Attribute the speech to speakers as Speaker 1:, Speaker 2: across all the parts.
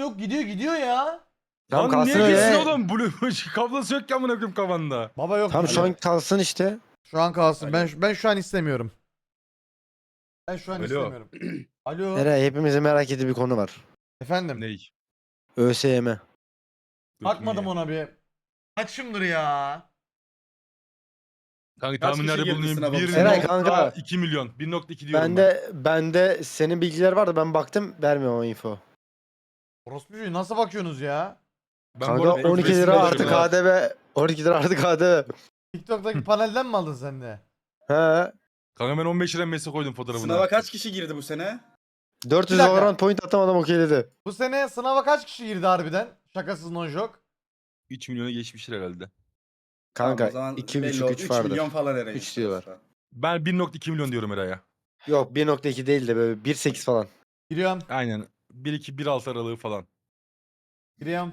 Speaker 1: yok gidiyor ya.
Speaker 2: Tamam
Speaker 3: Lan niye
Speaker 2: kalsın
Speaker 3: gitsin
Speaker 2: öyle.
Speaker 3: oğlum? Blue kablosu yok ki amına koyayım kafanda.
Speaker 1: Baba yok.
Speaker 2: Tamam şu
Speaker 1: gidiyor.
Speaker 2: an kalsın işte.
Speaker 1: Şu an kalsın.
Speaker 3: Alo.
Speaker 1: Ben şu an istemiyorum. Ben şu an
Speaker 3: Alo.
Speaker 1: istemiyorum. Alo.
Speaker 2: Eray hepimizin merak ettiği bir konu var.
Speaker 1: Efendim.
Speaker 3: Ney?
Speaker 2: ÖSYM.
Speaker 1: Bakmadım ona bir. Kaçımdır ya?
Speaker 3: Kanka
Speaker 4: Kaç
Speaker 3: tahminlerde
Speaker 4: kişi girdi
Speaker 3: bulunayım.
Speaker 4: sınava bu
Speaker 3: 1.2
Speaker 4: sene?
Speaker 2: Eray kanka.
Speaker 3: milyon. 1.2 diyorum ben.
Speaker 2: Bende senin bilgiler vardı ben baktım vermiyorum o info.
Speaker 1: Orospucuğu nasıl bakıyorsunuz ya?
Speaker 3: Ben
Speaker 2: Kanka
Speaker 3: bu arada
Speaker 2: 12
Speaker 3: resim
Speaker 2: lira
Speaker 3: de
Speaker 2: artı
Speaker 3: bakıyorum.
Speaker 2: KDV. 12 lira artı KDV.
Speaker 1: TikTok'taki panelden mi aldın sen de?
Speaker 2: He.
Speaker 3: Kanka ben 15 lira mesaj koydum fotoğrafına.
Speaker 4: Sınava kaç kişi girdi bu sene?
Speaker 2: 400
Speaker 1: Bir dakika.
Speaker 2: Valorant point atamadım okeyledi.
Speaker 1: Bu sene sınava kaç kişi girdi harbiden? Şakasız no joke.
Speaker 3: 3 milyona geçmiştir herhalde.
Speaker 2: Kanka
Speaker 4: Tamam, o zaman
Speaker 2: 2,5
Speaker 4: belli oldu.
Speaker 2: 3
Speaker 4: 3
Speaker 2: vardır.
Speaker 4: milyon falan herhalde.
Speaker 2: 3 diyorlar.
Speaker 3: Ben 1.2 milyon diyorum Eray'a.
Speaker 2: Yok 1.2 değil de böyle 1.8 falan.
Speaker 1: Giriyorum.
Speaker 3: Aynen. 1.2-1.6 aralığı falan.
Speaker 1: Giriyorum.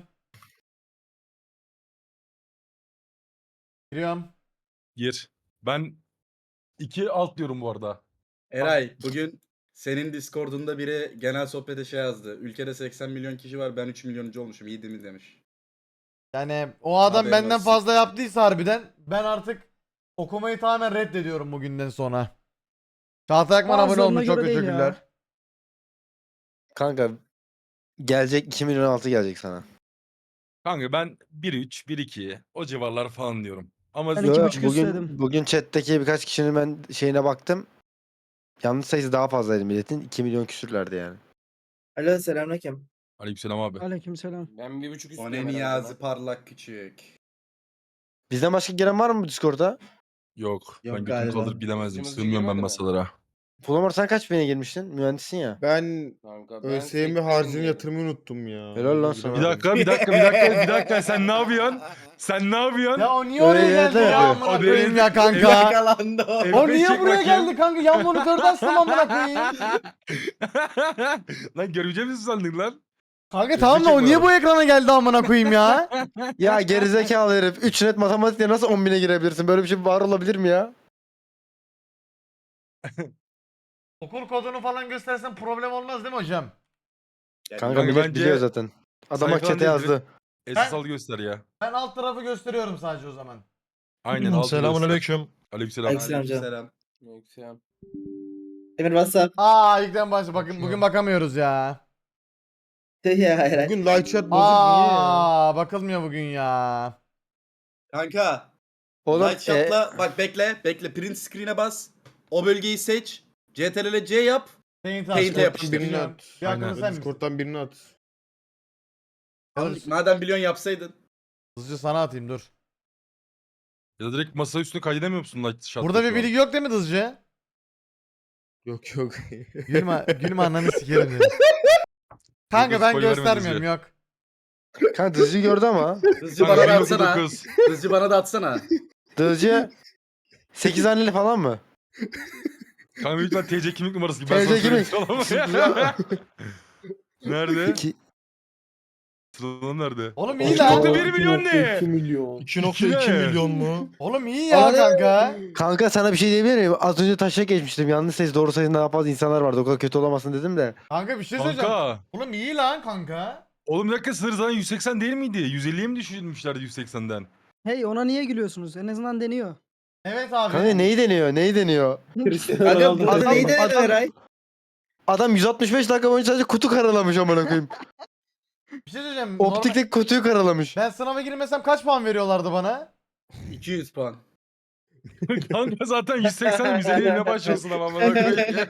Speaker 1: Giriyorum.
Speaker 3: Gir. Ben 2 alt diyorum bu arada.
Speaker 4: Eray bugün senin Discord'unda biri genel sohbete şey yazdı. Ülkede 80 milyon kişi var, ben 3 milyonuncu olmuşum. İyi değil mi demiş.
Speaker 1: Yani o adam
Speaker 4: Haberin
Speaker 1: benden
Speaker 4: olsun.
Speaker 1: fazla yaptıysa harbiden ben artık okumayı tamamen reddediyorum bugünden sonra. Çağatay Akman abone
Speaker 5: Bazılarına
Speaker 1: olmuş çok
Speaker 5: göre değil ya.
Speaker 1: teşekkürler.
Speaker 2: Kanka gelecek 2 milyon altı gelecek sana.
Speaker 3: Kanka ben 1.3, 1.2 o civarlar falan diyorum. Ama
Speaker 5: Ben
Speaker 2: Yo,
Speaker 5: 2,5
Speaker 2: bugün
Speaker 5: istedim.
Speaker 2: bugün chat'teki birkaç kişinin ben şeyine baktım. Yanlış sayısı daha fazlaydı milletin. 2 milyon küsürlerdi yani.
Speaker 6: Alo selamünaleyküm.
Speaker 3: Aleykümselam abi.
Speaker 5: Aleykümselam.
Speaker 7: Ben 1.5
Speaker 4: O
Speaker 7: istiyorum
Speaker 4: ne
Speaker 7: herhalde
Speaker 4: Niyazi
Speaker 7: ben.
Speaker 4: parlak küçük.
Speaker 2: Bizden başka giren var mı bu Discord'a?
Speaker 3: Yok.
Speaker 6: Yok
Speaker 3: Ben götümü
Speaker 6: galiba.
Speaker 3: kaldırıp gidemezdim.
Speaker 7: Hızlı
Speaker 3: Sığmıyorum ben
Speaker 7: girmedi mi?
Speaker 3: masalara.
Speaker 2: Fulamor sen kaç bine girmiştin? Mühendissin ya.
Speaker 8: Ben
Speaker 7: Kanka ben
Speaker 8: ÖSYM
Speaker 7: sektim
Speaker 8: harcını
Speaker 7: diye.
Speaker 8: yatırmayı unuttum ya.
Speaker 2: Helal lan sana.
Speaker 3: Bir dakika. Sen ne yapıyorsun? Sen ne yapıyorsun?
Speaker 1: Ya o niye oraya
Speaker 2: Öyle
Speaker 1: geldi
Speaker 2: de
Speaker 1: ya
Speaker 2: yapıyor.
Speaker 1: amına
Speaker 3: O
Speaker 1: koyayım
Speaker 3: değil.
Speaker 1: ya kanka.
Speaker 4: Yakalandı o.
Speaker 1: O
Speaker 3: F5
Speaker 1: niye
Speaker 3: çek
Speaker 1: buraya
Speaker 3: bakayım.
Speaker 1: geldi kanka? Yan monitörden sıvam amına koyayım.
Speaker 3: Lan göreceğim misin sandın lan?
Speaker 1: Kanka tamam da o niye bu ekrana geldi amına koyayım ya?
Speaker 2: Ya gerizekalı herif. 3 net matematikle nasıl 10 bine girebilirsin? Böyle bir şey var olabilir mi ya?
Speaker 1: Okul kodunu falan göstersen problem olmaz değil mi hocam?
Speaker 2: Kanka
Speaker 3: Kanka
Speaker 2: millet
Speaker 3: bence
Speaker 2: biliyor zaten. Adam bak
Speaker 3: sayfadan
Speaker 2: chat'e
Speaker 3: değil,
Speaker 2: yazdı.
Speaker 3: Esas al göster ya.
Speaker 1: Ben alt tarafı gösteriyorum sadece o zaman.
Speaker 3: Aynen altı göster.
Speaker 9: Selamünaleyküm.
Speaker 3: Aleykümselam.
Speaker 6: Aleykümselam canım.
Speaker 4: Selam.
Speaker 7: Yoksa
Speaker 6: Emir WhatsApp.
Speaker 1: İlkten başla bakın bugün bakamıyoruz ya.
Speaker 6: Ya Eray.
Speaker 8: Bugün live chat bozuk niye ya?
Speaker 1: Bakılmıyor bugün ya.
Speaker 4: Kanka.
Speaker 2: Oğlum
Speaker 4: Light shot'la bak bekle. Print screen'e bas. O bölgeyi seç. CTRL C yap.
Speaker 1: Paint'e
Speaker 4: Paint'e
Speaker 1: aç.
Speaker 4: yapıştır.
Speaker 8: Birini at.
Speaker 1: Bir hakkını
Speaker 3: Aynen.
Speaker 1: sen misin?
Speaker 8: Discord'dan birini at.
Speaker 4: Madem biliyorsun yapsaydın.
Speaker 1: Hızlıca sana atayım dur.
Speaker 3: Ya da direkt masa üstüne kaydedemiyor musun light shot'ta
Speaker 1: Burada
Speaker 3: şu
Speaker 1: bir
Speaker 3: an?
Speaker 1: bilgi yok değil mi hızlıca?
Speaker 8: Yok.
Speaker 1: Gülme ananı sikerim dedim. Kanka ben
Speaker 3: spoiler verme
Speaker 1: göstermiyorum
Speaker 3: Hızlıca.
Speaker 1: yok.
Speaker 2: kanka Dızcı gördü ama.
Speaker 4: Hızlıca
Speaker 3: Kanka
Speaker 4: bana da atsana.
Speaker 3: 1.9.
Speaker 4: Hızlıca bana da atsana.
Speaker 2: Dızcı 8 haneli falan mı?
Speaker 3: Kanka büyük ihtimal TC kimlik numarası gibi. Ben
Speaker 2: TC
Speaker 3: sana
Speaker 2: kimlik.
Speaker 3: söyleyeyim sana. Nerede?
Speaker 2: 2
Speaker 3: Sıralama nerede?
Speaker 1: Oğlum iyi lan.
Speaker 3: 2.1 milyon ne?
Speaker 9: 2.2 milyon mu?
Speaker 1: Oğlum iyi ya kanka.
Speaker 2: Kanka sana bir şey diyebilir miyim? Az önce taşa geçmiştim. Yanlış sayı doğru sayı daha fazla insanlar vardı. O kadar kötü olamasın dedim de.
Speaker 1: Kanka bir şey söyleyeceğim.
Speaker 3: Kanka.
Speaker 1: Oğlum iyi lan kanka.
Speaker 3: Oğlum bir dakika sınır zaten 180 değil miydi? 150'ye mi düşürmüşlerdi 180'den?
Speaker 5: Hey ona niye gülüyorsunuz? En azından deniyor.
Speaker 1: Evet abi.
Speaker 2: Kanka neyi deniyor? Neyi deniyor?
Speaker 6: Kanka burada
Speaker 2: Adam-
Speaker 6: neydi
Speaker 2: adam-
Speaker 6: Eray?
Speaker 2: Adam 165 dakika boyunca sadece kutu karalamış amına koyayım.
Speaker 1: Bir şey söyleyeceğim.
Speaker 2: Optikteki kutuyu karalamış.
Speaker 1: Ben sınava girmesem kaç puan veriyorlardı bana?
Speaker 4: 200 puan.
Speaker 3: Kanka zaten 180'den 150'ye ne başlıyorsun ama amına koyayım.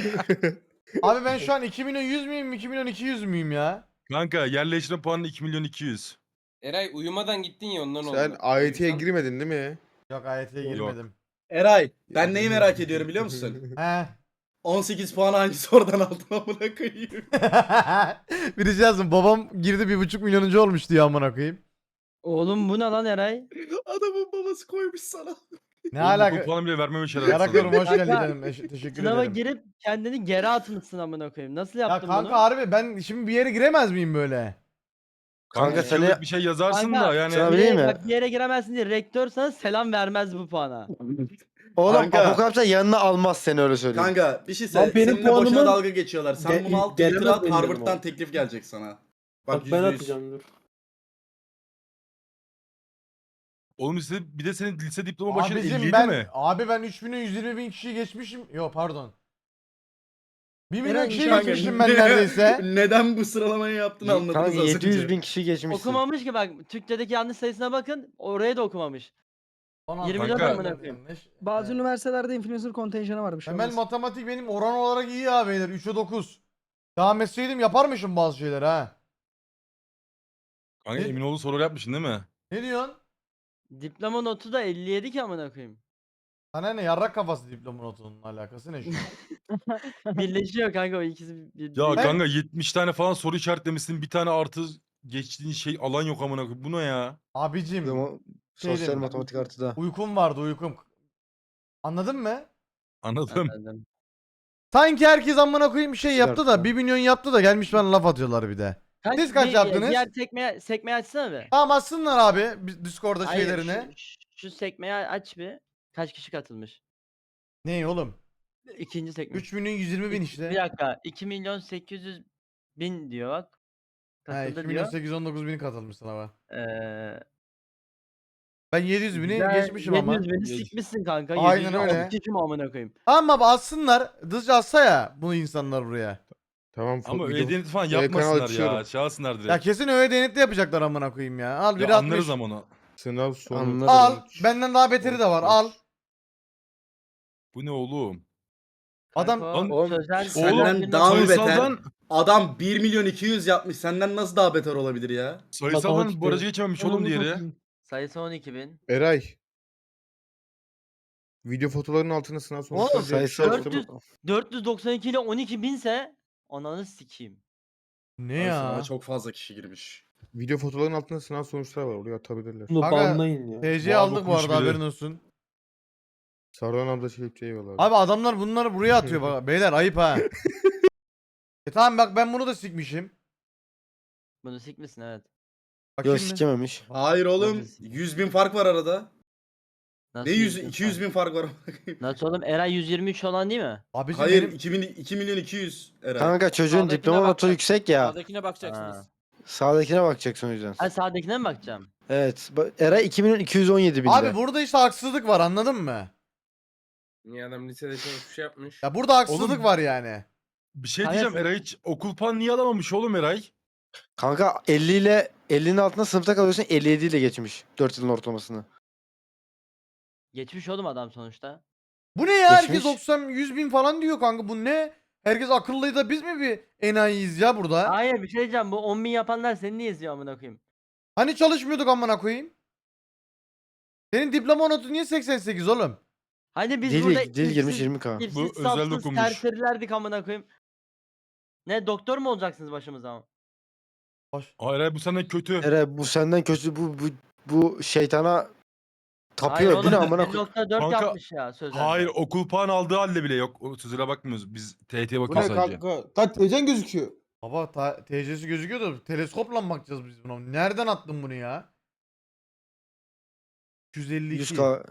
Speaker 1: Abi ben şu an 2 milyon 100 müyüm 2 milyon 200 müyüm ya?
Speaker 3: Kanka yerleştirme puanı 2 milyon 200.
Speaker 7: Eray uyumadan gittin ya ondan oldu.
Speaker 8: Sen AYT'ye
Speaker 7: Uyusan-
Speaker 8: girmedin değil mi?
Speaker 1: Yok AYT'ye
Speaker 3: Yok.
Speaker 1: girmedim.
Speaker 4: Eray ben neyi merak ediyorum biliyor musun?
Speaker 1: He.
Speaker 4: 18 puan hangisi oradan aldın amına koyayım.
Speaker 1: Birisi yazsın babam girdi 1,5 milyonuncu olmuş diyor amına koyayım.
Speaker 5: Oğlum bu ne lan Eray?
Speaker 4: Adamın babası koymuş sana.
Speaker 1: Ne
Speaker 3: Bu
Speaker 1: alaka?
Speaker 3: puanı bile vermemiş herhalde.
Speaker 1: Yaraklarım
Speaker 3: sana.
Speaker 1: hoş geldin canım. Teşekkür
Speaker 5: Sınava
Speaker 1: ederim.
Speaker 5: girip kendini geri atmışsın amına koyayım. Nasıl
Speaker 1: Ya
Speaker 5: yaptın
Speaker 1: kanka
Speaker 5: bunu?
Speaker 1: harbi ben şimdi bir yere giremez miyim böyle?
Speaker 2: Kanka
Speaker 3: Kanka
Speaker 2: seni-
Speaker 3: bir şey yazarsın
Speaker 5: Kanka,
Speaker 3: da yani.
Speaker 2: sana bileyim mi?
Speaker 5: Bak bir yere giremezsin diye rektör sana selam vermez bu puana.
Speaker 2: Oğlum
Speaker 4: Kanka.
Speaker 2: Apokalips'e yanına almaz seni öyle söyleyeyim.
Speaker 4: Kanka bir şey
Speaker 6: Lan
Speaker 4: söyle.
Speaker 6: benim
Speaker 4: Seninle boşuna
Speaker 6: puanımın
Speaker 4: dalga geçiyorlar. Sen bunu al Twitter'a
Speaker 6: gelemez
Speaker 4: at
Speaker 6: benim
Speaker 4: Harvard'dan
Speaker 6: o.
Speaker 4: teklif gelecek sana. Bak
Speaker 6: ben
Speaker 4: %100.
Speaker 6: atacağım dur.
Speaker 3: Oğlum bir de senin lise diploma başına
Speaker 1: Abicim
Speaker 3: 57
Speaker 1: ben
Speaker 3: mi?
Speaker 1: abi ben 3000'e 120 bin kişiyi geçmişim. Yo pardon. 1 milyon
Speaker 5: Eren,
Speaker 1: kişiyi
Speaker 5: kanka,
Speaker 1: geçmişim ben neredeyse.
Speaker 4: Neden bu sıralamayı yaptığını anladınız
Speaker 2: Kanka
Speaker 4: az
Speaker 2: 700
Speaker 4: önce.
Speaker 2: bin kişi geçmişsin.
Speaker 5: Okumamış ki bak. Türkçedeki yanlış sayısına bakın. Oraya da okumamış.
Speaker 1: 16
Speaker 5: 24
Speaker 3: Kanka.
Speaker 5: amına koyayım.
Speaker 1: yanlış.
Speaker 5: Bazı üniversitelerde influencer kontenjanı varmış.
Speaker 1: Temel matematik benim oran olarak iyi ya beyler. 3'e 9. Devam etseydim yaparmışım bazı şeyler ha.
Speaker 3: Kanka
Speaker 1: Ne?
Speaker 3: Eminoğlu soru yapmışsın değil mi?
Speaker 1: Ne diyorsun?
Speaker 5: Diploma notu da 57 ki amına koyayım.
Speaker 1: Sana ne yarrak kafası diploma notunun alakası ne şu an?
Speaker 5: Birleşiyor kanka o ikisi.
Speaker 3: Ya
Speaker 1: Ben-
Speaker 3: kanka 70 tane falan soru işaretlemişsin. Bir tane artı geçtiğin şey alan yok amına koyayım. Bu ne ya?
Speaker 1: Abicim
Speaker 2: Ama sosyal
Speaker 1: Şeydim,
Speaker 2: matematik artıda.
Speaker 1: uykum vardı uykum. Anladın mı?
Speaker 3: Anladım.
Speaker 5: Anladım.
Speaker 1: Sanki herkes amına koyayım bir şey
Speaker 2: Sigara
Speaker 1: yaptı da
Speaker 2: tutan.
Speaker 1: 1 milyon yaptı da gelmiş bana laf atıyorlar bir de. Siz kaç yaptınız?
Speaker 5: Diğer sekmeyi açsana bir.
Speaker 1: Tamam atsınlar abi Discord'da
Speaker 5: Hayır,
Speaker 1: şeylerini.
Speaker 5: şu sekmeyi aç bir. Kaç kişi katılmış?
Speaker 1: Ne oğlum?
Speaker 5: İkinci sekme.
Speaker 1: 3 milyon 120 bin işte.
Speaker 5: Bir dakika. 2 milyon 800 bin diyor bak.
Speaker 1: He
Speaker 5: Katıldı
Speaker 1: 2 milyon
Speaker 5: diyor.
Speaker 1: 819 bin katılmış sınava.
Speaker 5: Ee,
Speaker 1: Ben 700 bini
Speaker 5: güzel,
Speaker 1: geçmişim ama.
Speaker 5: 700 bini
Speaker 3: Geç.
Speaker 5: sikmişsin kanka.
Speaker 1: Aynen
Speaker 5: 700 bin
Speaker 1: öyle.
Speaker 5: altı kişi mi amına koyayım?
Speaker 1: Tamam abi atsınlar. Hızlıca atsa ya bu insanlar buraya.
Speaker 8: Tamam.
Speaker 3: Ama
Speaker 8: video-
Speaker 3: öyle deneti falan
Speaker 8: kanal
Speaker 3: yapmasınlar ya.
Speaker 8: açıyorum.
Speaker 3: Çağırsınlar direkt.
Speaker 1: Ya kesin öyle denetli yapacaklar amına koyayım ya. Al
Speaker 3: Ya
Speaker 1: biri
Speaker 3: anlarız
Speaker 1: 60.
Speaker 3: ama onu.
Speaker 8: Sınav sonu.
Speaker 2: Anlarız.
Speaker 1: Al.
Speaker 8: 13,
Speaker 1: Benden daha beteri de var. Al.
Speaker 8: 13.
Speaker 3: Bu ne oğlum?
Speaker 1: Adam
Speaker 5: Kanka,
Speaker 3: Lan-
Speaker 5: o
Speaker 4: Oğlum,
Speaker 5: sözel,
Speaker 4: senden
Speaker 5: sözel bir
Speaker 4: daha mı
Speaker 5: not-
Speaker 4: beter?
Speaker 3: Sayısaldan,
Speaker 4: Adam 1 milyon 200 yapmış. Senden nasıl daha beter olabilir ya?
Speaker 3: sayısaldan barajı geçememiş oğlum diğeri.
Speaker 5: Sayısı 12 bin.
Speaker 8: Eray. Video fotolarının altına sınav sonuçları
Speaker 5: Oğlum,
Speaker 8: diye bir şey
Speaker 2: sayısal-
Speaker 8: açtım.
Speaker 5: 492 ile 12 binse ananı sikeyim.
Speaker 1: ne
Speaker 4: Abi
Speaker 1: ya?
Speaker 4: sınava çok fazla kişi girmiş.
Speaker 8: Video fotolarının altında sınav sonuçları var. Oraya atabilirler.
Speaker 1: Kanka
Speaker 6: ya.
Speaker 1: TC
Speaker 3: Vay,
Speaker 1: aldık bu
Speaker 3: okumuş
Speaker 1: arada
Speaker 3: biri.
Speaker 1: haberin olsun.
Speaker 8: Sarılan abla şey eyvallah.
Speaker 1: Abi adamlar bunları buraya atıyor bak. Beyler ayıp ha. Tamam bak ben bunu da sikmişim.
Speaker 5: Bunu sikmişsin evet.
Speaker 1: Bakayım
Speaker 2: Yok
Speaker 1: mı?
Speaker 2: sikememiş.
Speaker 4: Hayır oğlum.
Speaker 5: Nasıl?
Speaker 4: 100 bin fark var arada.
Speaker 5: Nasıl
Speaker 4: Ne 100
Speaker 5: 100 bin
Speaker 4: 200
Speaker 5: fark?
Speaker 4: bin fark var.
Speaker 5: Nasıl oğlum Eray 123 olan değil mi?
Speaker 1: Abicim
Speaker 4: Hayır
Speaker 1: benim
Speaker 4: 2 milyon 200 Eray.
Speaker 2: Kanka çocuğun
Speaker 7: Sağdakine
Speaker 2: diploma notu
Speaker 7: bakacaksın.
Speaker 2: yüksek ya.
Speaker 7: Sağdakine bakacaksınız.
Speaker 5: Ha.
Speaker 2: Sağdakine bakacaksın o yüzden.
Speaker 5: Ha sağdakine mi bakacağım?
Speaker 2: Evet. Eray 2 milyon 217 binde.
Speaker 1: abi burada işte haksızlık var anladın mı?
Speaker 7: Niye adam lisede çalışmış şey yapmış.
Speaker 1: Ya burada haksızlık
Speaker 3: Oğlum-
Speaker 1: var yani.
Speaker 3: Bir şey
Speaker 5: Hayır.
Speaker 3: diyeceğim, Eray hiç okul puanı niye alamamış oğlum Eray?
Speaker 2: Kanka 50 ile 50'nin altında sınıfta kalıyorsun 57 ile geçmiş. 4 yılın ortalamasını.
Speaker 5: Geçmiş oğlum adam sonuçta.
Speaker 1: Bu ne ya? Herkes
Speaker 2: Geçmiş.
Speaker 1: 90 100 bin falan diyor kanka. Bu ne? Herkes akıllıydı da biz mi bir enayiyiz ya burada?
Speaker 5: Hayır bir şey diyeceğim bu 10 bin yapanlar seni niye izliyor amına koyayım?
Speaker 1: Hani çalışmıyorduk amına koyayım? Senin diploma notu niye 88 oğlum?
Speaker 5: Hani biz burada
Speaker 2: Dil girmiş 20k.
Speaker 5: İpsiz
Speaker 3: Bu özel
Speaker 5: sapsız
Speaker 3: dokunmuş.
Speaker 5: serserilerdik amına koyayım. Ne doktor mu olacaksınız başımıza?
Speaker 1: Hoş.
Speaker 3: Aa, Eray bu senden kötü.
Speaker 2: Eray bu senden kötü bu şeytana
Speaker 5: Hayır
Speaker 2: tapıyor. Bu
Speaker 5: oğlum
Speaker 2: ne amına koy.
Speaker 5: 1.4
Speaker 3: Kanka,
Speaker 5: yapmış ya sözelde.
Speaker 3: Hayır okul puanı aldığı halde bile yok. O sözüne bakmıyoruz. Biz TYT'ye
Speaker 8: Bu
Speaker 3: bakıyoruz
Speaker 8: ne
Speaker 3: sadece.
Speaker 8: kanka? Kaç TC'n gözüküyor.
Speaker 1: Baba TC'si gözüküyor da teleskopla mı bakacağız biz buna? Nereden attın bunu ya? 252.
Speaker 2: 100k.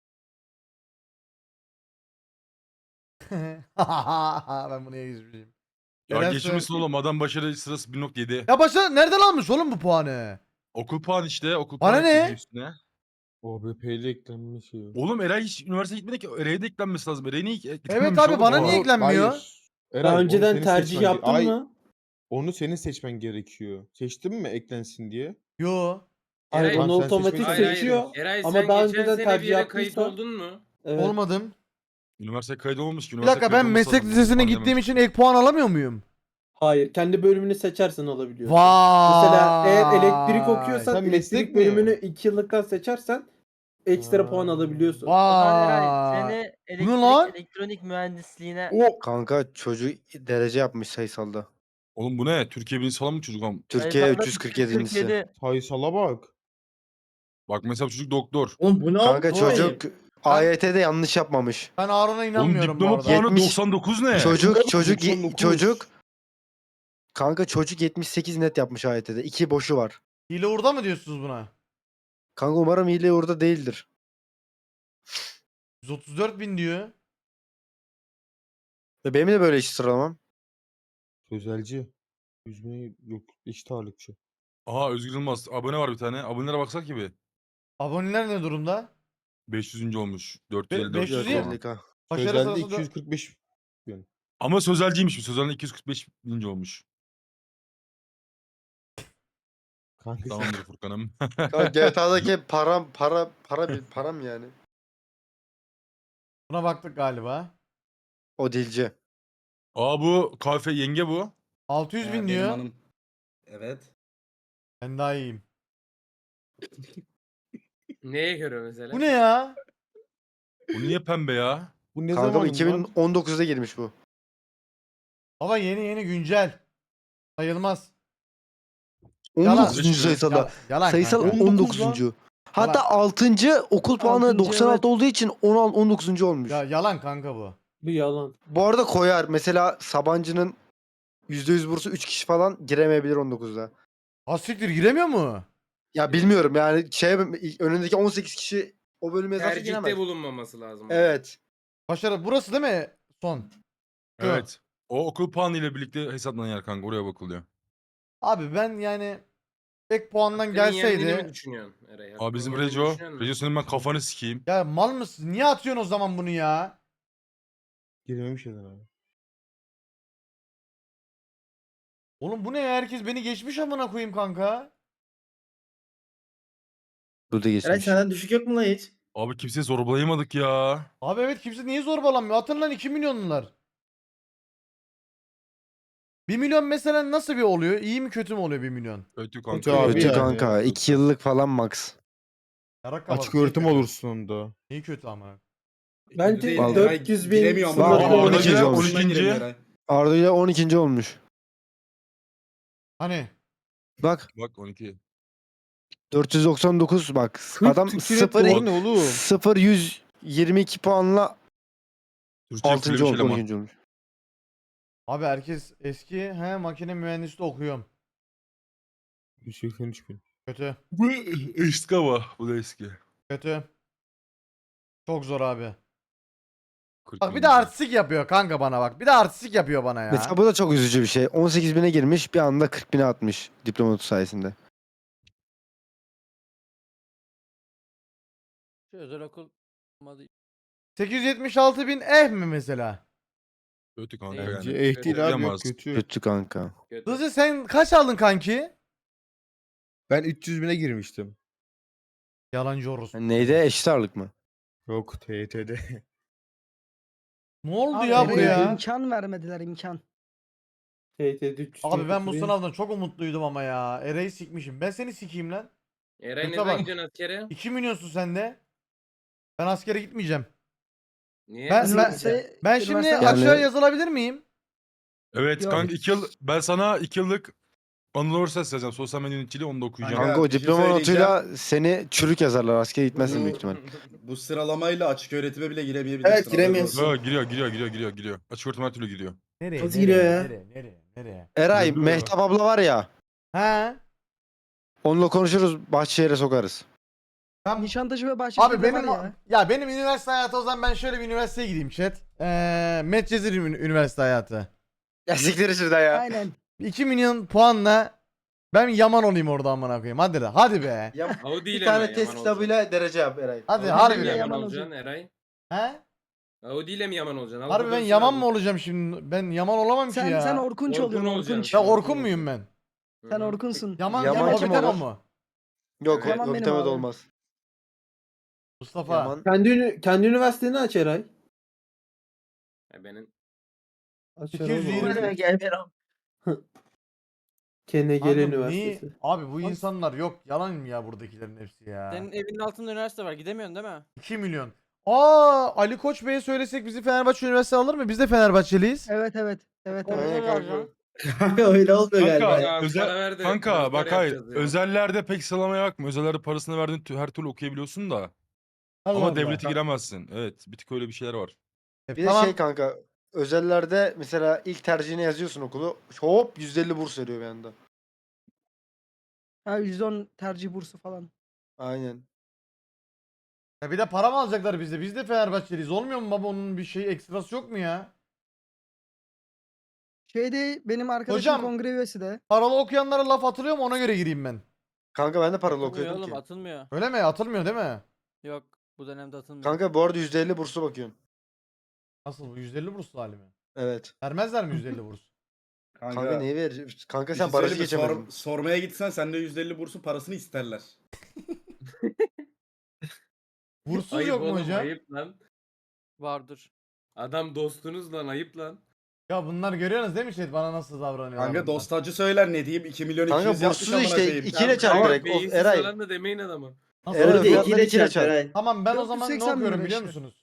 Speaker 1: Ben bunu geçmişim.
Speaker 3: Ya
Speaker 1: Eren
Speaker 3: geçmişsin
Speaker 1: söyle-
Speaker 3: oğlum, adam başarı sırası 1.7.
Speaker 1: Ya başa nereden almış oğlum bu puanı?
Speaker 3: Okul puanı işte. Okul
Speaker 1: Bana
Speaker 3: puanı
Speaker 1: ne?
Speaker 3: ekledi üstüne.
Speaker 8: OBP'li eklenme şeyi.
Speaker 3: Oğlum Eray hiç üniversiteye gitmedi ki. Eray'a da eklenmesi lazım. Eray'a niye eklenmemiş
Speaker 1: Evet abi,
Speaker 3: oğlum?
Speaker 1: bana
Speaker 3: Oha.
Speaker 1: niye eklenmiyor?
Speaker 8: Hayır. Eray,
Speaker 6: Daha
Speaker 8: onu
Speaker 6: önceden
Speaker 8: senin
Speaker 6: tercih
Speaker 8: seçmen-
Speaker 6: yaptın
Speaker 8: Ay,
Speaker 6: mı?
Speaker 8: Onu senin seçmen gerekiyor. Seçtin mi eklensin diye?
Speaker 1: Yo.
Speaker 6: Hayır
Speaker 7: Eray-
Speaker 6: onu
Speaker 8: Sen
Speaker 6: otomatik
Speaker 8: seçmedin.
Speaker 7: Hayır,
Speaker 6: seçiyor.
Speaker 7: Eray
Speaker 6: Ama
Speaker 7: sen
Speaker 6: daha
Speaker 7: geçen
Speaker 6: önceden
Speaker 7: sene
Speaker 6: tercih
Speaker 7: bir yere kayıt
Speaker 6: yaptıysan-
Speaker 7: oldun mu?
Speaker 6: Evet.
Speaker 1: Olmadım.
Speaker 3: Üniversiteye kayıt olmamış ki.
Speaker 1: Bir dakika ben meslek lisesine gittiğim için ek puan alamıyor muyum?
Speaker 6: Hayır, kendi bölümünü seçersen alabiliyorsun.
Speaker 1: Vay.
Speaker 6: Mesela eğer elektrik okuyorsan
Speaker 8: Sen
Speaker 6: elektrik
Speaker 8: meslek mi?
Speaker 6: bölümünü 2 yıllıktan seçersen ekstra puan alabiliyorsun.
Speaker 5: O zaman Eray
Speaker 1: Vay.
Speaker 5: seni
Speaker 1: Bu ne lan?
Speaker 5: elektronik mühendisliğine
Speaker 8: O
Speaker 2: Kanka çocuk derece yapmış sayısalda.
Speaker 3: Oğlum bu ne? Türkiye birincisi falan mı çocuk am?
Speaker 2: Türkiye
Speaker 5: sayısalda
Speaker 2: 347.'si.
Speaker 5: 347.
Speaker 8: sayısala bak.
Speaker 3: Bak mesela çocuk doktor.
Speaker 6: Oğlum bu ne
Speaker 2: Kanka
Speaker 6: abi?
Speaker 2: çocuk AYT'de yanlış yapmamış.
Speaker 1: Ben Harun'a
Speaker 3: Oğlum
Speaker 1: inanmıyorum bu
Speaker 3: diploma
Speaker 1: arada.
Speaker 3: puanı
Speaker 2: 70
Speaker 3: 99 ne?
Speaker 2: Çocuk kanka çocuk 78 net yapmış AYT'de. 2 boşu var.
Speaker 1: Hile orada mı diyorsunuz buna?
Speaker 2: Kanka umarım hile orada değildir.
Speaker 1: 134 bin diyor.
Speaker 2: Ve benim de böyle iş sıralamam.
Speaker 8: Sözelci. 100 bine yok eşit ağırlıkçı.
Speaker 3: Aha Özgür Yılmaz. Abone var bir tane. Abonelere baksak gibi.
Speaker 1: Aboneler ne durumda?
Speaker 3: 500. olmuş. 454
Speaker 1: 500 değil mi?
Speaker 3: falan.
Speaker 2: 450K.
Speaker 1: Başarı
Speaker 8: Sözelde
Speaker 1: sırası
Speaker 8: 245
Speaker 3: Ama sözelciymiş. Sözelden 245 bininci olmuş.
Speaker 8: kanka.
Speaker 3: Tamamdır Furkan'ım.
Speaker 2: Kanka GTA'daki param yani.
Speaker 1: Buna baktık galiba.
Speaker 2: O dilci.
Speaker 3: Aa bu kahve yenge bu.
Speaker 1: 600 bin
Speaker 4: Benim
Speaker 1: diyor.
Speaker 4: hanım. Evet.
Speaker 1: Ben daha iyiyim.
Speaker 7: Neye göre mesela?
Speaker 1: Bu ne ya?
Speaker 3: Bu niye pembe ya?
Speaker 8: Bu ne
Speaker 2: Kanka bu
Speaker 8: zaman lan?
Speaker 2: 2019'da girmiş bu.
Speaker 1: Baba yeni güncel. Sayılmaz. Yalan.
Speaker 2: 19. sayısal.
Speaker 1: Yalan
Speaker 2: Sayısal
Speaker 1: kanka.
Speaker 2: 19. Hatta 6. okul puanı
Speaker 6: Altıncı,
Speaker 2: 96
Speaker 6: evet.
Speaker 2: olduğu için 19. olmuş.
Speaker 1: Ya yalan kanka bu.
Speaker 6: Bu yalan.
Speaker 2: Bu arada koyar. Mesela Sabancı'nın %100 bursu 3 kişi falan giremeyebilir 19'da.
Speaker 1: Ha siktir giremiyor mu?
Speaker 2: Ya bilmiyorum yani önündeki 18 kişi o bölüme yazarsa giremez.
Speaker 7: Tercihte bulunmaması lazım.
Speaker 2: Evet.
Speaker 1: Başarı burası değil mi? Son.
Speaker 3: Evet. O okul puanı ile birlikte hesaplanıyor kanka. Oraya bakılıyor.
Speaker 1: Abi ben yani tek puandan
Speaker 7: Senin yendiğini mi
Speaker 1: gelseydi.
Speaker 7: düşünüyorsun Eray?
Speaker 3: Aa bizim
Speaker 7: Hakkını yendiğini
Speaker 3: Reco.
Speaker 7: düşünüyor musun?
Speaker 3: Reco senin ben kafanı sikeyim.
Speaker 1: Ya mal mısın? Niye atıyorsun o zaman bunu ya?
Speaker 8: Girememiş ya abi.
Speaker 1: Oğlum bu ne ya? Herkes beni geçmiş amına koyayım kanka.
Speaker 2: Burada geçmiş.
Speaker 6: düşük yok mu lan hiç?
Speaker 3: Abi kimseyi zorbalayamadık ya.
Speaker 1: Abi evet kimse niye zorbalanmıyor? Atın lan 2 milyonlular. 1 milyon mesela nasıl bir oluyor? İyi mi kötü mü oluyor 1 milyon?
Speaker 3: Kötü
Speaker 8: Kötü
Speaker 3: kanka.
Speaker 8: abi
Speaker 2: Kötü
Speaker 8: yani.
Speaker 2: kanka. 2 yıllık falan max.
Speaker 1: Yarak kabak,
Speaker 8: Açık
Speaker 1: niye
Speaker 8: öğretim
Speaker 1: kötü?
Speaker 8: olursun onda.
Speaker 1: Niye kötü amına?
Speaker 6: Bence
Speaker 4: Değil,
Speaker 2: Vallahi.
Speaker 6: 400 bin
Speaker 4: giremiyor ama.
Speaker 2: Var,
Speaker 4: Aa,
Speaker 2: 12.
Speaker 4: Eray
Speaker 2: olmuş.
Speaker 4: oyundan giremiyor Eray.
Speaker 2: Arda ile 12. olmuş.
Speaker 1: Hani?
Speaker 2: Bak
Speaker 3: Bak 12.
Speaker 2: 499 bak.
Speaker 8: 40
Speaker 2: Adam
Speaker 8: Türkiye
Speaker 2: 0
Speaker 8: puanı ne oğlum?
Speaker 2: 0 122 puanla
Speaker 3: Türkçe
Speaker 2: 6.
Speaker 3: full bir
Speaker 2: olmuş,
Speaker 3: şey ama.
Speaker 2: 12. olmuş.
Speaker 1: Abi herkes eski makine mühendisliği okuyorum.
Speaker 8: 183 bin.
Speaker 1: Kötü.
Speaker 3: Bu eski ama. Bu da eski.
Speaker 1: Kötü. Çok zor abi.
Speaker 3: 40
Speaker 1: Bak bir de
Speaker 3: bininci.
Speaker 1: artistik yapıyor kanka bana bak. Bir de artistik yapıyor bana ya.
Speaker 2: Mesela bu da çok üzücü bir şey. 18 bine girmiş bir anda 40 bine atmış diploma notu sayesinde.
Speaker 10: Şu özel okul olmadı.
Speaker 1: 876 bin mi mesela?
Speaker 3: Kötü kanka
Speaker 8: Bence
Speaker 3: yani.
Speaker 8: değil abi yok
Speaker 3: Okuyamaz.
Speaker 8: kötü.
Speaker 2: Kötü kanka.
Speaker 7: Kötü.
Speaker 1: Hızlı sen kaç aldın kanki?
Speaker 8: Ben 300 bine girmiştim.
Speaker 1: Yalancı orospu.
Speaker 2: Neydi? Eşit ağırlık mı?
Speaker 8: Yok TYT'de.
Speaker 1: Ne oldu
Speaker 11: Abi
Speaker 1: ya
Speaker 11: Eren'e
Speaker 1: buraya?
Speaker 11: imkan vermediler imkan.
Speaker 1: Abi ben bu sınavdan çok umutluydum ama ya. Ereği sikmişim. Ben seni sikeyim lan.
Speaker 7: Eray ne
Speaker 1: Kötü
Speaker 7: zaman
Speaker 1: bak.
Speaker 7: gidiyorsun askere?
Speaker 1: 2 milyonsun sen de. Ben askere gitmeyeceğim.
Speaker 7: Niye?
Speaker 1: Ben
Speaker 11: Üniversite-
Speaker 1: ben şimdi
Speaker 11: üniversite-
Speaker 2: Yani-
Speaker 1: aşağı yazılabilir miyim?
Speaker 3: Evet
Speaker 11: Yok.
Speaker 3: kanka 2 yıl. Ben sana 2 yıllık Anadolu Üniversitesi yazacağım. Sosyal medya yöneticiliği onu da okuyacağım.
Speaker 2: Kanka o
Speaker 4: bir şey
Speaker 2: diploma
Speaker 4: söyleyeceğim.
Speaker 2: notuyla seni çürük yazarlar. Askere gitmezsin büyük ihtimal.
Speaker 4: Bu sıralamayla açık öğretime bile giremeyebilirsin.
Speaker 6: Evet, giremiyorsun.
Speaker 3: Ha, giriyor. Açık öğretim her türlü giriyor.
Speaker 1: Nereye?
Speaker 6: Nasıl
Speaker 1: nereye,
Speaker 6: giriyor ya?
Speaker 1: Nereye?
Speaker 2: Eray,
Speaker 3: Yürü.
Speaker 2: Mehtap abla var ya.
Speaker 1: He?
Speaker 2: Onunla konuşuruz. Bahçeşehir'e sokarız.
Speaker 1: Ben
Speaker 11: Nişantaşı ve Bahçeşehir'de
Speaker 1: Abi benim
Speaker 11: var ya.
Speaker 1: ya benim üniversite hayatı o zaman ben şöyle bir üniversiteye gideyim chat. Medcezir üniversite hayatı.
Speaker 2: Ya siktir şurada ya.
Speaker 11: Aynen.
Speaker 1: 2 milyon puanla ben Yaman olayım orada amına koyayım. Hadi de. Hadi be.
Speaker 7: Audi
Speaker 2: Bir
Speaker 7: ile
Speaker 2: tane
Speaker 7: mi
Speaker 2: test
Speaker 7: Yaman
Speaker 2: kitabıyla derece yap Eray.
Speaker 1: Hadi
Speaker 7: olacaksın?
Speaker 1: harbi
Speaker 7: Audi ile
Speaker 1: de.
Speaker 7: mi
Speaker 11: Yaman
Speaker 7: Yaman olacaksın Eray?
Speaker 1: He?
Speaker 7: Audi ile mi Yaman olacaksın? Al
Speaker 1: Harbi ben
Speaker 7: bakalım
Speaker 1: Yaman
Speaker 7: sen
Speaker 1: mı olacağım şimdi? Ben Yaman olamam ki
Speaker 11: Sen
Speaker 1: ya.
Speaker 11: sen Orkunç
Speaker 7: Orkun
Speaker 11: oluyorsun
Speaker 7: olacaksın.
Speaker 11: Orkunç.
Speaker 1: Ya
Speaker 7: Orkun
Speaker 1: Orkun muyum ben?
Speaker 7: Hı
Speaker 11: Sen
Speaker 7: hı.
Speaker 11: Orkunsun.
Speaker 1: Yaman
Speaker 2: Yaman kim
Speaker 1: Obitema
Speaker 2: olur?
Speaker 1: mu?
Speaker 2: Yok,
Speaker 11: Yaman
Speaker 2: o
Speaker 11: benim
Speaker 2: bitemede
Speaker 11: abi.
Speaker 2: olmaz.
Speaker 1: Mustafa.
Speaker 2: Yaman.
Speaker 6: Kendi üniversiteni aç Eray.
Speaker 7: Ya benim
Speaker 1: 220.
Speaker 6: KNGL
Speaker 1: Kanka
Speaker 6: Üniversitesi.
Speaker 1: niye? Abi bu insanlar yok. Yalan mı ya buradakilerin hepsi ya?
Speaker 10: Senin evinin altında üniversite var. Gidemiyorsun değil mi?
Speaker 1: 2 milyon. Ali Koç Bey'e söylesek bizi Fenerbahçe Üniversitesi alır mı? Biz de Fenerbahçeliyiz.
Speaker 11: Evet.
Speaker 10: Orada
Speaker 11: Evet.
Speaker 10: da alacaksın.
Speaker 6: Öyle olmuyor
Speaker 3: Kanka,
Speaker 6: galiba.
Speaker 7: Abi
Speaker 3: özel,
Speaker 7: para ver de
Speaker 3: kanka
Speaker 7: transfer
Speaker 3: bak hayır.
Speaker 7: yapacağız ya.
Speaker 3: Özellerde pek sıralamaya bakma. Özellerde parasını verdiğin her türlü okuyabiliyorsun da.
Speaker 1: Allah
Speaker 3: Ama
Speaker 1: Allah.
Speaker 3: devlete giremezsin. Evet. Bir tık öyle bir şeyler var.
Speaker 2: Bir de
Speaker 1: Tamam.
Speaker 2: şey kanka. Özellerde mesela ilk tercihine yazıyorsun okulu. Hop %50 burs veriyor bir anda.
Speaker 11: Ha %10 tercih bursu falan.
Speaker 2: Aynen.
Speaker 1: Ya bir de para mı alacaklar bizde? Biz de Fenerbahçeliyiz. Olmuyor mu baba onun bir şey ekstrası yok mu ya?
Speaker 11: Şeyde benim arkadaşım
Speaker 1: Hocam.
Speaker 11: kongre üyesi de.
Speaker 1: Paralı okuyanlara laf atılıyor mu ona göre gireyim ben.
Speaker 2: Kanka ben de paralı
Speaker 10: Atılmıyor
Speaker 2: okuyordum
Speaker 10: oğlum
Speaker 2: ki.
Speaker 10: atılmıyor.
Speaker 1: Öyle mi? Atılmıyor değil mi?
Speaker 10: Yok bu dönemde atılmıyor.
Speaker 2: Kanka bu arada %50 burslu bakıyorsun.
Speaker 1: Nasıl bu? 150 burslu hali mi?
Speaker 2: Evet.
Speaker 1: Vermezler mi 150 burs?
Speaker 2: Kanka neyi verir? Kanka
Speaker 4: bir
Speaker 2: sen
Speaker 4: şey
Speaker 2: barajı
Speaker 4: söyleyeyim mi?
Speaker 2: geçemedin.
Speaker 4: Sormaya gitsen sende %50 bursun parasını isterler.
Speaker 1: Burssuz
Speaker 7: Ayıp
Speaker 1: yok mu
Speaker 7: oğlum,
Speaker 1: hocam?
Speaker 7: ayıp lan.
Speaker 10: Vardır.
Speaker 7: Adam dostunuz lan, ayıp lan.
Speaker 1: Ya bunlar görüyorsunuz değil mi chat bana nasıl davranıyorlar?
Speaker 4: Kanka
Speaker 1: bunlar?
Speaker 4: dostacı söyler ne diyeyim 2 milyon 200
Speaker 2: Kanka
Speaker 4: yapmış
Speaker 2: burssuz
Speaker 4: amına
Speaker 2: işte
Speaker 4: koyayım.
Speaker 2: 2 ile çarp
Speaker 7: Ama
Speaker 2: direkt. Of,
Speaker 7: beyinsiz
Speaker 2: Eray.
Speaker 7: falan da demeyin adama.
Speaker 1: Nasıl?
Speaker 2: Eray
Speaker 1: Orada
Speaker 2: fiyatları 2 ile çarp.
Speaker 1: Tamam ben o zaman ne
Speaker 11: 480
Speaker 1: okuyorum
Speaker 11: bin
Speaker 1: biliyor
Speaker 11: işte.
Speaker 1: musunuz?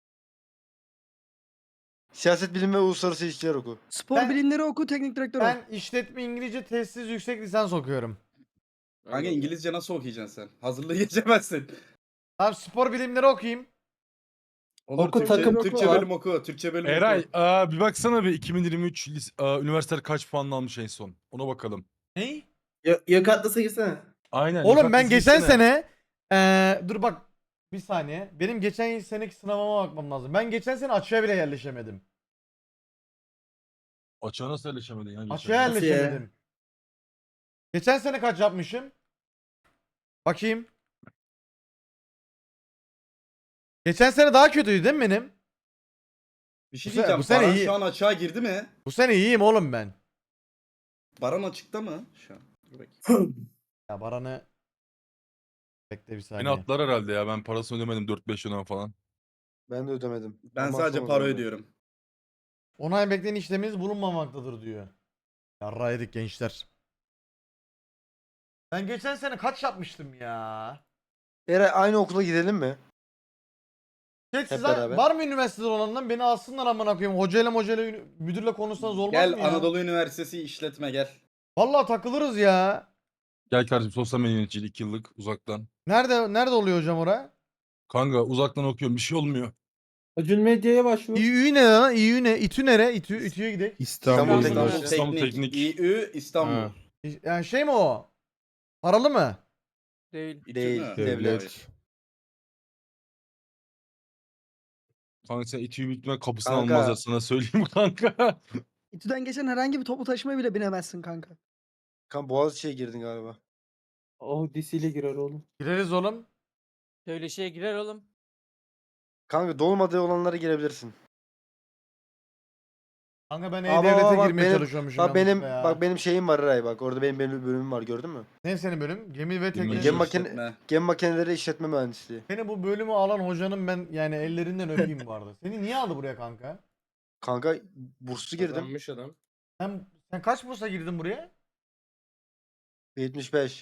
Speaker 2: Siyaset bilimi ve uluslararası ilişkiler oku.
Speaker 11: Spor
Speaker 1: Ben-
Speaker 11: bilimleri oku, teknik direktör ol.
Speaker 1: Ben işletme İngilizce testsiz yüksek lisans okuyorum.
Speaker 4: Kanka
Speaker 7: Allah
Speaker 4: İngilizce nasıl okuyacaksın sen? Hazırlığı geçemezsin.
Speaker 1: Tamam spor bilimleri okuyayım.
Speaker 4: Olur,
Speaker 6: Oku,
Speaker 4: Türkçe,
Speaker 6: takım
Speaker 4: Türkçe
Speaker 6: oku.
Speaker 4: bölüm oku. Türkçe bölüm
Speaker 3: Eray
Speaker 4: oku.
Speaker 3: bir baksana bir 2023 üniversiteler kaç puan almış en son. Ona bakalım.
Speaker 1: Ney?
Speaker 6: Yok atlasa girsene.
Speaker 3: Aynen.
Speaker 1: Oğlum
Speaker 3: yukarıda
Speaker 1: ben geçen
Speaker 3: gitsene.
Speaker 1: sene dur bak bir saniye. Benim geçen seneki sınavıma bakmam lazım. Ben geçen sene açığa bile yerleşemedim.
Speaker 3: Açığa nasıl yerleşemedin ya?
Speaker 1: Açığa
Speaker 3: geçen?
Speaker 1: yerleşemedim. Geçen sene kaç yapmışım? Bakayım. Geçen sene daha kötüydü değil mi benim?
Speaker 4: Bir şey
Speaker 1: bu
Speaker 4: diyeceğim.
Speaker 1: sene
Speaker 4: Baran
Speaker 1: iyi.
Speaker 4: şu an açığa girdi mi?
Speaker 1: Bu sene iyiyim oğlum ben.
Speaker 4: Baran açıkta mı şu an? Dur bakayım.
Speaker 1: Ya Baran'ı bekle bir
Speaker 3: Beni
Speaker 1: saniye.
Speaker 3: atlar herhalde ya. Ben parasını ödemedim 4-5 yıldan falan.
Speaker 2: Ben de ödemedim.
Speaker 4: Ben
Speaker 2: Ama
Speaker 4: sadece
Speaker 2: aslında
Speaker 4: para
Speaker 2: ben de.
Speaker 4: ödüyorum.
Speaker 1: Onay bekleyen işleminiz bulunmamaktadır diyor. Yarra yedik gençler. Ben geçen sene kaç yapmıştım ya?
Speaker 2: Eray aynı okula gidelim mi?
Speaker 1: Chat
Speaker 2: Hep
Speaker 1: size
Speaker 2: beraber.
Speaker 1: var mı üniversitede olanlardan beni alsınlar amına koyayım. Hocayla müdürle konuşsanız olmaz
Speaker 4: Gel
Speaker 1: mı ya?
Speaker 4: Anadolu Üniversitesi işletme gel.
Speaker 1: Vallahi takılırız ya.
Speaker 3: Gel kardeşim sosyal medya yöneticiliği 2 yıllık uzaktan.
Speaker 1: Nerede oluyor hocam oraya?
Speaker 3: Kanka uzaktan okuyorum bir şey olmuyor.
Speaker 6: Acun Medya'ya başvur.
Speaker 1: İÜ ne lan? İÜ ne? İTÜ nere? İTÜ'ye gidelim.
Speaker 8: İstanbul.
Speaker 2: İstanbul
Speaker 4: İstanbul
Speaker 7: İstanbul
Speaker 4: Teknik.
Speaker 3: Teknik.
Speaker 4: İÜ İstanbul.
Speaker 8: Ha.
Speaker 1: Yani şey mi o? Paralı mı?
Speaker 10: Değil.
Speaker 4: İTÜ
Speaker 2: Değil,
Speaker 4: mü?
Speaker 2: devlet.
Speaker 4: Hayır.
Speaker 3: Kanka sen İTÜ'yü büyük ihtimalle kapısına
Speaker 2: Kanka.
Speaker 3: almazlar sana söyleyeyim kanka.
Speaker 11: İTÜ'den geçen herhangi bir toplu taşımaya bile binemezsin kanka.
Speaker 2: Kanka Boğaziçi'ye girdin galiba.
Speaker 6: Oh disiyle girer oğlum.
Speaker 1: Gireriz oğlum.
Speaker 10: Öyle şeye girer oğlum.
Speaker 2: Kanka dolmadığı olanlara girebilirsin.
Speaker 1: Kanka ben
Speaker 2: Aa,
Speaker 1: E-Devlet'e
Speaker 2: bak,
Speaker 1: girmeye
Speaker 2: benim-
Speaker 1: çalışıyormuşum
Speaker 2: Bak benim
Speaker 1: yanlışlıkla ya.
Speaker 2: bak benim şeyim var Eray bak. Orada benim bölümüm var gördün mü?
Speaker 1: Ne senin bölüm? Gemi ve teknoloji.
Speaker 2: Gemi makine-
Speaker 4: İşletme.
Speaker 2: Gemi makineleri işletme mühendisliği.
Speaker 1: Beni bu bölümü alan hocanın ben yani ellerinden öpeyim vardı. Seni niye aldı buraya kanka?
Speaker 2: Kanka burslu girdim.
Speaker 7: Kazanmış adam.
Speaker 1: Sen kaç bursa girdin buraya?
Speaker 2: 75.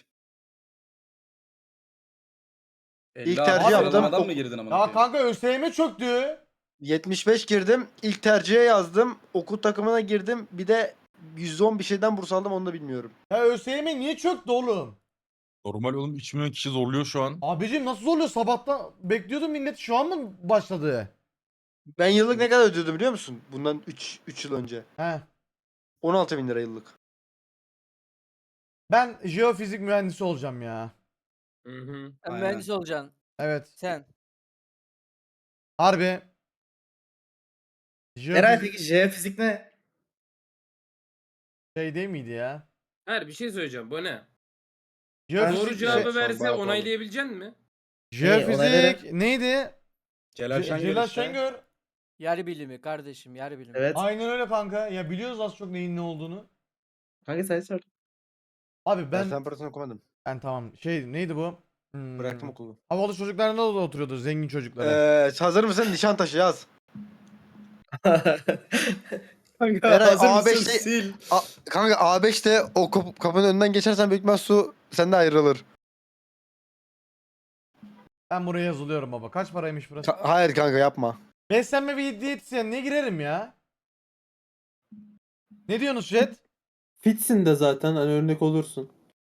Speaker 4: 50
Speaker 2: İlk
Speaker 4: abi
Speaker 2: tercih yaptım.
Speaker 4: sıralamadan mı girdin amına
Speaker 1: Ya
Speaker 4: koyayım?
Speaker 1: kanka ÖSYM çöktü.
Speaker 2: 75 girdim. İlk tercihe yazdım. Okul takımına girdim. Bir de %10 bir şeyden burs aldım onu da bilmiyorum.
Speaker 1: Ya ÖSYM niye çöktü oğlum?
Speaker 3: Normal oğlum 3 milyon kişi zorluyor şu an.
Speaker 1: Abicim nasıl oluyor? Sabahtan bekliyordum millet şu an mı başladı?
Speaker 2: Ben yıllık ne kadar ödüyordum biliyor musun? Bundan 3 yıl önce.
Speaker 1: He.
Speaker 2: 16.000 lira yıllık.
Speaker 1: Ben jeofizik mühendisi olacağım ya.
Speaker 7: Hı hı.
Speaker 10: Sen
Speaker 4: Aynen.
Speaker 10: mühendis olacaksın.
Speaker 1: Evet.
Speaker 10: Sen.
Speaker 1: Harbi.
Speaker 6: Eray
Speaker 1: Jeofizik
Speaker 6: peki jeofizik ne?
Speaker 1: şey değil miydi ya?
Speaker 7: Her bir şey söyleyeceğim. Bu ne?
Speaker 1: Jeofizik,
Speaker 7: Doğru cevabı
Speaker 2: şu an
Speaker 7: verse
Speaker 2: bayağı pahalı.
Speaker 7: onaylayabilecek mi?
Speaker 1: jeofizik neydi?
Speaker 4: Celal Şengör
Speaker 1: Celal
Speaker 4: işte.
Speaker 1: Şengör.
Speaker 10: Yer bilimi kardeşim yer bilimi.
Speaker 6: Evet.
Speaker 1: Aynen öyle kanka. Ya biliyoruz az çok neyin ne olduğunu.
Speaker 6: Kanka sen sor.
Speaker 1: Abi
Speaker 2: Ben
Speaker 1: ben
Speaker 2: sen okumadım.
Speaker 1: tamam. Şey neydi bu?
Speaker 2: Bıraktım okulu.
Speaker 1: Havalı çocuklar da oturuyordu zengin çocuklara.
Speaker 2: Hazır mısın? Nişantaşı yaz.
Speaker 4: Kanka
Speaker 2: Eray,
Speaker 4: hazır mısın?
Speaker 2: A5'te
Speaker 4: Sil.
Speaker 2: Kanka A5'te o kapının önünden geçersen büyük ihtimal su sende ayrılır.
Speaker 1: Ben buraya yazılıyorum baba. Kaç paraymış burası?
Speaker 2: Hayır kanka yapma.
Speaker 1: Beslenme ve diyetisyen ne girerim ya? Ne diyorsunuz chat?
Speaker 6: Fitsin de zaten hani örnek olursun.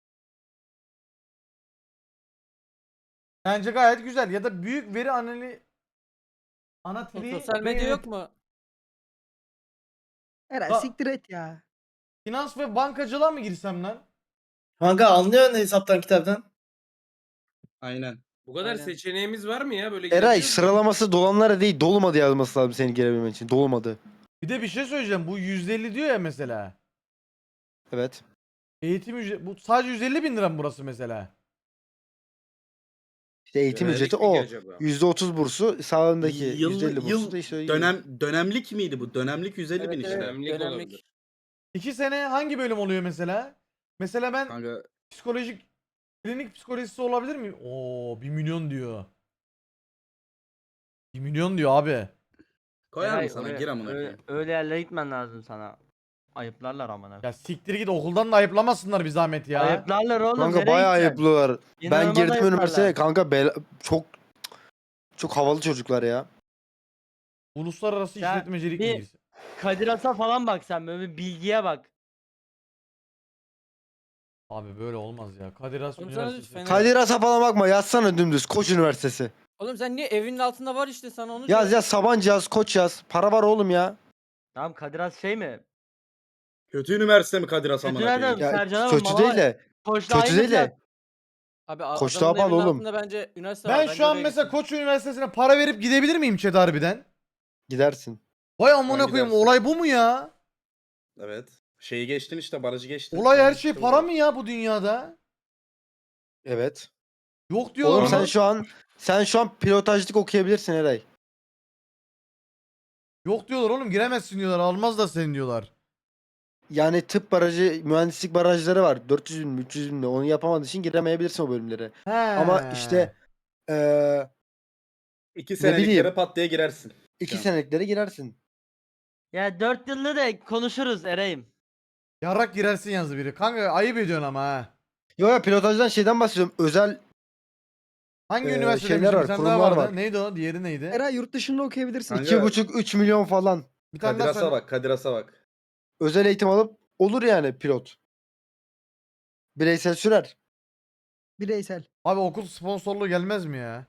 Speaker 1: Bence gayet güzel. Ya da büyük veri analizi
Speaker 10: Sosyal medya yok mu?
Speaker 11: Eray
Speaker 1: Ba-
Speaker 11: siktir et ya.
Speaker 1: Finans ve bankacılığa mı girsem lan?
Speaker 6: Kanka anlıyorsun hesaptan kitaptan.
Speaker 4: Aynen.
Speaker 7: Bu kadar
Speaker 10: Aynen.
Speaker 7: seçeneğimiz var mı ya? Böyle
Speaker 2: Eray
Speaker 7: girebiliyor muyuz?
Speaker 2: sıralaması dolanlara değil dolmadı yazması lazım seni girebilmen için. Dolmadı.
Speaker 1: Bir de bir şey söyleyeceğim. Bu 150 diyor ya mesela.
Speaker 2: Evet.
Speaker 1: Eğitim ücreti. Bu sadece 150 bin lira mı burası mesela?
Speaker 2: İşte eğitim
Speaker 7: Yönelik
Speaker 2: ücreti
Speaker 7: mi ki
Speaker 2: o.
Speaker 7: acaba?
Speaker 2: %30 bursu, sağındaki
Speaker 4: Yıl,
Speaker 2: %50 bursu
Speaker 4: yıl
Speaker 2: da işte
Speaker 4: dönemlik miydi bu? Dönemlik 150 bin
Speaker 10: Evet,
Speaker 4: işte.
Speaker 10: evet.
Speaker 7: Dönemlik
Speaker 10: Dönemlik.
Speaker 7: olabilir.
Speaker 1: 2 sene hangi bölüm oluyor mesela? Mesela ben
Speaker 4: Kanka
Speaker 1: psikolojik klinik psikolojisi olabilir mi? Oo 1 milyon diyor. 1 milyon diyor abi.
Speaker 4: koyar mı
Speaker 5: Eray,
Speaker 4: sana?
Speaker 5: öyle-
Speaker 4: Gir amına
Speaker 5: öyle,
Speaker 4: koyayım.
Speaker 5: öyle yerlere gitmen lazım sana. Ayıplarlar amına.
Speaker 1: Ya siktir git okuldan da ayıplamasınlar bir zahmet ya.
Speaker 5: Ayıplarlar oğlum.
Speaker 2: Kanka
Speaker 5: nereye
Speaker 2: bayağı
Speaker 5: gideceksin?
Speaker 2: ayıplılar. Ben
Speaker 5: İnanılmaz
Speaker 2: girdim
Speaker 5: ayıplarlar.
Speaker 2: üniversiteye kanka çok havalı çocuklar ya.
Speaker 1: Uluslararası
Speaker 5: Ya,
Speaker 1: işletmecilik
Speaker 5: bir-
Speaker 1: bilgisi.
Speaker 5: Kadir Has'a falan bak sen, böyle bir bilgiye bak.
Speaker 1: Abi böyle olmaz ya. Kadir Has
Speaker 10: Oğlum sana
Speaker 1: Üniversitesi.
Speaker 10: Fener-
Speaker 2: Kadir Has'a falan bakma, yazsana dümdüz Koç Üniversitesi.
Speaker 10: Oğlum sen niye evinin altında var işte, sana onu
Speaker 2: Yaz
Speaker 10: diyorum.
Speaker 2: yaz Sabancı yaz, Koç yaz. Para var oğlum ya.
Speaker 5: Tamam, Kadir Has şey mi?
Speaker 4: Kötü üniversite mi Kadir Has
Speaker 5: Kötü
Speaker 4: amına koyayım?
Speaker 5: nereden?
Speaker 2: Ya
Speaker 5: Sercan
Speaker 2: kötü
Speaker 5: Mala-
Speaker 2: değil de.
Speaker 5: Koçla
Speaker 2: Kötü
Speaker 5: aynı
Speaker 2: değil
Speaker 5: fiyat.
Speaker 2: de.
Speaker 10: Abi
Speaker 2: Koç
Speaker 10: adamın
Speaker 2: daha pahalı
Speaker 10: evinin
Speaker 2: oğlum.
Speaker 10: altında bence üniversite var.
Speaker 1: Ben
Speaker 10: Bence
Speaker 1: şu an
Speaker 10: oraya
Speaker 1: mesela
Speaker 10: gitsin.
Speaker 1: Koç Üniversitesi'ne para verip gidebilir miyim chat harbiden?
Speaker 2: Gidersin.
Speaker 1: Vay amına
Speaker 4: Ben
Speaker 1: koyayım,
Speaker 4: gidersin.
Speaker 1: olay bu mu ya?
Speaker 4: Evet. Şeyi geçtin işte, barajı geçtin.
Speaker 1: Olay her
Speaker 4: Tamam,
Speaker 1: şey
Speaker 4: işte
Speaker 1: para
Speaker 4: bu.
Speaker 1: mı ya bu dünyada?
Speaker 2: Evet.
Speaker 1: Yok diyorlar
Speaker 2: Oğlum
Speaker 1: oğlum.
Speaker 2: sen şu an pilotajlık okuyabilirsin Eray.
Speaker 1: Yok diyorlar oğlum, giremezsin diyorlar, almazlar seni diyorlar.
Speaker 2: Yani tıp barajı, mühendislik barajları var. 400 bin, 300 bin. Onu yapamadığın için giremeyebilirsin o bölümlere.
Speaker 1: He.
Speaker 2: Ama işte
Speaker 4: 2
Speaker 2: Ne
Speaker 4: seneliklere
Speaker 2: bileyim.
Speaker 4: pat diye girersin.
Speaker 2: 2
Speaker 4: Şu an.
Speaker 2: seneliklere girersin.
Speaker 5: Ya 4 yılda da konuşuruz Eray'ım.
Speaker 1: Yarrak girersin yazdı biri. Kanka ayıp ediyorsun ama ha.
Speaker 2: Yo ya, pilotajdan şeyden bahsediyorum. Özel
Speaker 1: Hangi
Speaker 2: Şeyler
Speaker 1: üniversite
Speaker 2: var,
Speaker 1: demiştim, bir tane daha
Speaker 2: kurumlar
Speaker 1: vardı.
Speaker 2: var.
Speaker 1: Neydi o? Diğeri neydi?
Speaker 11: Eray yurt dışında okuyabilirsin.
Speaker 4: Kanka-
Speaker 2: 2,5-3 milyon falan.
Speaker 1: Bir tane
Speaker 4: Kadir
Speaker 1: daha
Speaker 4: Has'a
Speaker 1: söyle.
Speaker 4: bak, Kadir Has'a bak.
Speaker 2: Özel eğitim alıp olur yani pilot. Bireysel sürer.
Speaker 11: Bireysel.
Speaker 1: Abi okul sponsorluğu gelmez mi ya?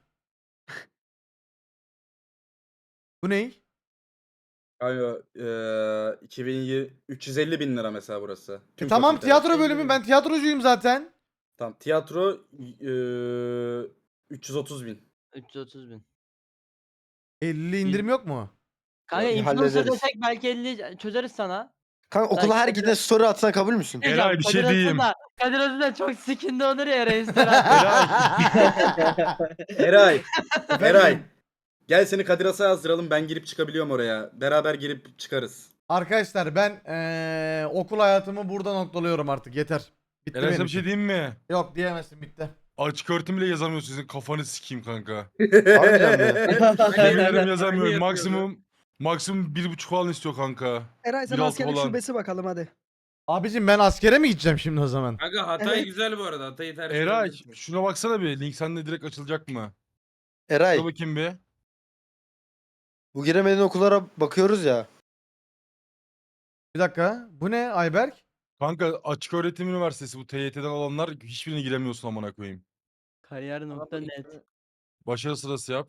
Speaker 1: Bu ney?
Speaker 4: Kanka 2020 350 bin lira mesela burası. Tüm
Speaker 1: Tamam,
Speaker 4: fakülteler.
Speaker 1: tiyatro bölümü, ben tiyatrocuyum zaten.
Speaker 4: Tamam, tiyatro 330 bin.
Speaker 5: 330 bin.
Speaker 1: 50 indirim yok mu?
Speaker 5: Kanka
Speaker 2: İyi,
Speaker 5: influencer
Speaker 2: hallederiz.
Speaker 5: desek belki 50 çözeriz sana.
Speaker 2: Kanka okula
Speaker 5: Belki
Speaker 2: her
Speaker 5: Kadir-
Speaker 2: giden story atsan kabul müsün?
Speaker 3: Eray, bir şey
Speaker 5: Kadir Has'ın
Speaker 3: diyeyim.
Speaker 5: da- Kadir Has'ın da çok sikinde olur ya restoran.
Speaker 4: Eray. Eray. Gel seni Kadir Has'a yazdıralım, ben girip çıkabiliyorum oraya. Beraber girip çıkarız.
Speaker 1: Arkadaşlar ben okul hayatımı burada noktalıyorum artık, yeter. Bitti
Speaker 3: Eray sana
Speaker 1: benim
Speaker 3: bir şey
Speaker 1: için.
Speaker 3: diyeyim mi?
Speaker 1: Yok diyemezsin, bitti.
Speaker 3: Açık öğretim bile yazamıyorsun, sizin kafanı sikeyim kanka.
Speaker 2: Harbiden mi?
Speaker 3: Yemin ederim
Speaker 7: Aynı
Speaker 3: yazamıyorum.
Speaker 7: yapıyordu.
Speaker 3: Maksimum 1,5 falan istiyor kanka.
Speaker 11: Eray sen
Speaker 3: 1.6
Speaker 11: askerlik
Speaker 3: falan.
Speaker 11: şubesi bakalım hadi.
Speaker 1: Abicim ben askere mi gideceğim şimdi o zaman?
Speaker 7: Kanka Hatay
Speaker 11: Evet.
Speaker 7: güzel bu arada. Hatay'ı tercih
Speaker 3: Eray
Speaker 7: edebilirsin.
Speaker 3: şuna baksana bir. Link sende direkt açılacak mı?
Speaker 2: Eray,
Speaker 3: Dur bakayım bir.
Speaker 2: bu giremediğin okullara bakıyoruz ya.
Speaker 1: Bir dakika. Bu ne Ayberk?
Speaker 3: Kanka açık öğretim üniversitesi bu TYT'den alanlar hiçbirine giremiyorsun amına koyayım.
Speaker 5: Kariyer.net.
Speaker 3: Başarı sırası yap.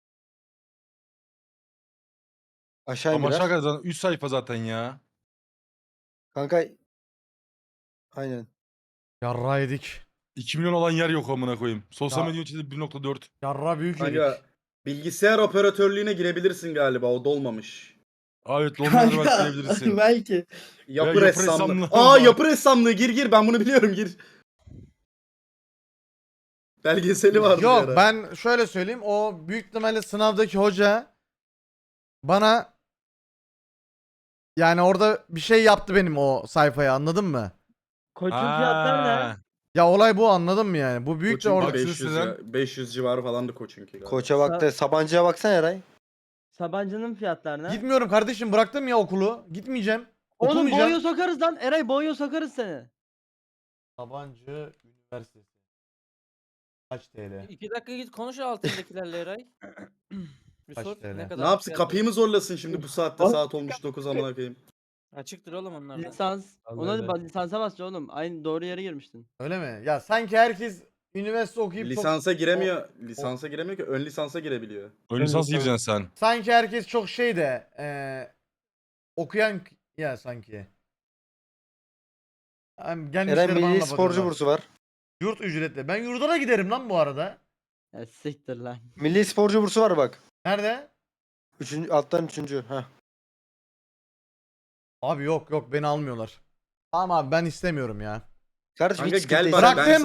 Speaker 2: Aşağı
Speaker 3: Ama
Speaker 2: girer.
Speaker 3: aşağı kadar 3 sayfa zaten ya.
Speaker 2: Kanka aynen.
Speaker 1: Yarra yedik.
Speaker 3: 2 milyon olan yer yok amına koyayım. Sosyal
Speaker 1: Ya-
Speaker 3: medya içinde 1,4.
Speaker 1: Yarra büyük yedik.
Speaker 4: Kanka bilgisayar operatörlüğüne girebilirsin galiba, o dolmamış.
Speaker 3: Evet Londra'da belki girebilirsin.
Speaker 6: belki.
Speaker 4: Yapı
Speaker 3: yapı
Speaker 4: ressamlığı.
Speaker 3: ressamlığı
Speaker 4: Aa
Speaker 3: var.
Speaker 4: yapı ressamlığı, gir ben bunu biliyorum, gir. Belgeseli vardı bir
Speaker 1: Yok
Speaker 4: ara.
Speaker 1: ben şöyle söyleyeyim, o büyük ihtimalle sınavdaki hoca bana yani orada bir şey yaptı benim o sayfaya, anladın mı?
Speaker 5: Koçun fiyatları ne?
Speaker 3: Ha.
Speaker 1: Ya olay bu, anladın mı yani? Bu büyük de
Speaker 4: Koçun
Speaker 1: orada.
Speaker 3: Haksız
Speaker 4: 500
Speaker 3: Sezen.
Speaker 4: ya, 500 civarı falandı Koç'unki galiba.
Speaker 2: Koça bak da Sabancı'ya baksana Eray.
Speaker 5: Sabancı'nın fiyatları ne?
Speaker 1: Gitmiyorum kardeşim, bıraktım ya okulu. Gitmeyeceğim.
Speaker 5: Oğlum
Speaker 1: Okumayacağım.
Speaker 5: boğuya sokarız lan. Eray boğuya sokarız seni.
Speaker 1: Sabancı Üniversitesi. Kaç TL?
Speaker 10: 2 dakika git konuş altındakilerle Eray. Bir
Speaker 1: Kaç
Speaker 10: sor
Speaker 1: TL?
Speaker 10: ne kadar
Speaker 4: Ne yapsın,
Speaker 10: fiyatları.
Speaker 4: kapıyı mı zorlasın şimdi bu saatte, saat olmuş 9 amına koyayım.
Speaker 10: Açıktır oğlum onlar da.
Speaker 5: Lisans.
Speaker 1: Allah
Speaker 5: Ona
Speaker 1: Allah.
Speaker 5: lisansa basacaksın oğlum. Aynı doğru yere girmiştin.
Speaker 1: Öyle mi? Ya sanki herkes üniversite okuyup
Speaker 4: Lisansa giremiyor. Lisansa giremiyor ki, ön lisansa girebiliyor.
Speaker 3: Ön lisans gireceksin sen.
Speaker 1: sanki herkes çok şey de okuyan ya sanki. Yani gelmişler
Speaker 2: Eray
Speaker 1: bana
Speaker 2: milli
Speaker 1: da
Speaker 2: sporcu
Speaker 1: bakıyorlar.
Speaker 2: bursu var.
Speaker 1: Yurt ücretli. Ben yurduna giderim lan bu arada.
Speaker 5: Ya siktir lan.
Speaker 2: Milli sporcu bursu var bak.
Speaker 1: Nerede?
Speaker 2: Alttan 3. Heh.
Speaker 1: Abi yok beni almıyorlar. Tamam abi ben istemiyorum ya.
Speaker 2: Kardeşim
Speaker 4: Kanka
Speaker 2: hiç
Speaker 4: gel
Speaker 2: sıkıntı
Speaker 4: bana,
Speaker 2: değil.
Speaker 4: ben
Speaker 1: Bıraktım.